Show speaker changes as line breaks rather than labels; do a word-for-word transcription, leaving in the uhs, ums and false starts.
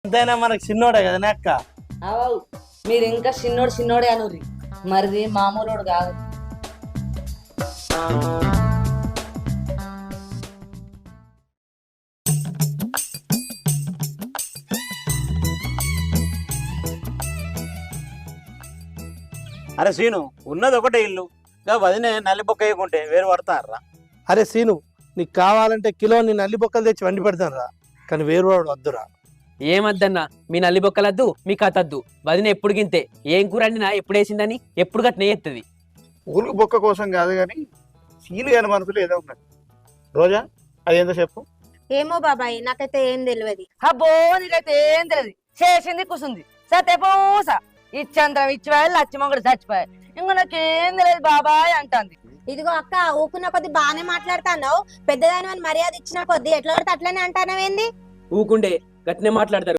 ఎంతైనా మనకు చిన్నోడే కదా అక్క.
అవు మీరు ఇంకా చిన్నోడు చిన్నోడే అనుర్రి, మరిది మామూలోడు కాదు.
అరే సీను, ఉన్నది ఒకటే ఇల్లు, ఇంకా వదినే నల్లి బొక్క వేయకుంటే వేరు పడతారా?
అరే సీను, నీకు కావాలంటే కిలో నీ నల్లి బొక్కలు తెచ్చి వండి పెడతాను రా, కానీ వేరు వాడు వద్దురా.
ఏమద్దన్నా, మీ నల్లి బొక్కలద్దు, మీ కథద్దు. వదిన ఎప్పుడు గింతే, ఏం కూర అండినా ఎప్పుడు వేసిందని ఎప్పుడు గట్నే ఎత్తది.
ఊరు బొక్క కోసం కాదు కానీ సీలు కాని మనసులో ఏదో ఉన్నది. రోజా అదేందో చెప్పు.
ఏమో బాబాయ్, నాకైతే ఏం తెలియదు.
అబ్బో నీకైతే ఏం తెలియదు, చేసింది కూసుంది సతే పూస ఇచ్చంతరం ఇచ్చిపోయాలి, లచ్చిమొంగడు చచ్చిపోయాలి, ఇంక నాకేం తెలియదు బాబాయ్ అంటుంది.
ఇదిగో అక్క, ఊకున్న కొద్ది బాగానే మాట్లాడుతున్నావు, పెద్దదాని మర్యాద ఇచ్చిన కొద్ది ఎట్లా పడితే అట్లనే అంటానవేంది?
ఊకుండే గట్నే మాట్లాడతారు.